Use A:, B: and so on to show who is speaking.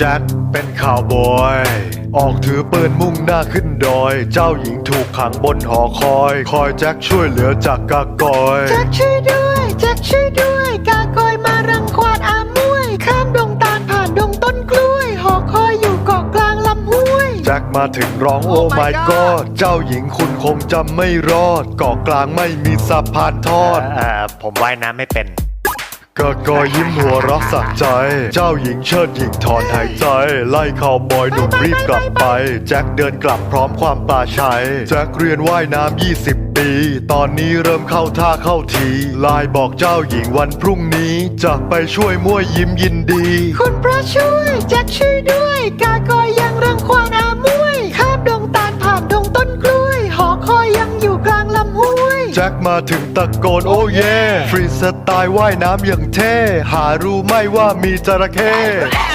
A: แจ็คเป็นข่าวบอยออกถือปืนมุ่งหน้าขึ้นดอยเจ้าหญิงถูกขังบนหอคอยแจ็คช่วยเหลือจากกากอย
B: แจ็คช่วยด้วยแจ็คช่วยด้วยกากอยมารังควานอามวยข้ามดงตาลผ่านดงต้นกล้วยหอคอยอยู่เกาะกลางลำห้วย
A: แจ็คมาถึงร้องโอ้ my god เจ้าหญิงคุณคงจำไม่รอดเกาะกลางไม่มีสะพานทอด
C: ผมว่ายน้ำไม่เป็น
A: กากอยยิ้มหัวเรักสักใจเจ้าหญิงเชิดหญิงถอนหายใจไล่ข่าวบอยหนุ่มรีบกลับไปแจ็คเดินกลับพร้อมความปลาชัยแจ็คเรียนว่ายน้ำ20 ปีตอนนี้เริ่มเข้าท่าเข้าทีไลน์บอกเจ้าหญิงวันพรุ่งนี้จะไปช่วยมั่วยิ้มยินดี
B: คุณพระช่วยแจ็คช่วยด้วยกากอยยังรังควานอามวยข้ามดงตาลผ่านดงต้นกล้วยหอคอยยังอยู่กลางลำห้วย
A: แจ็คมาถึงตะโกนโอ้เย่ฟรีสไตล์ว่ายน้ำอย่างเท่หารู้ไหม่ว่ามีจระเข้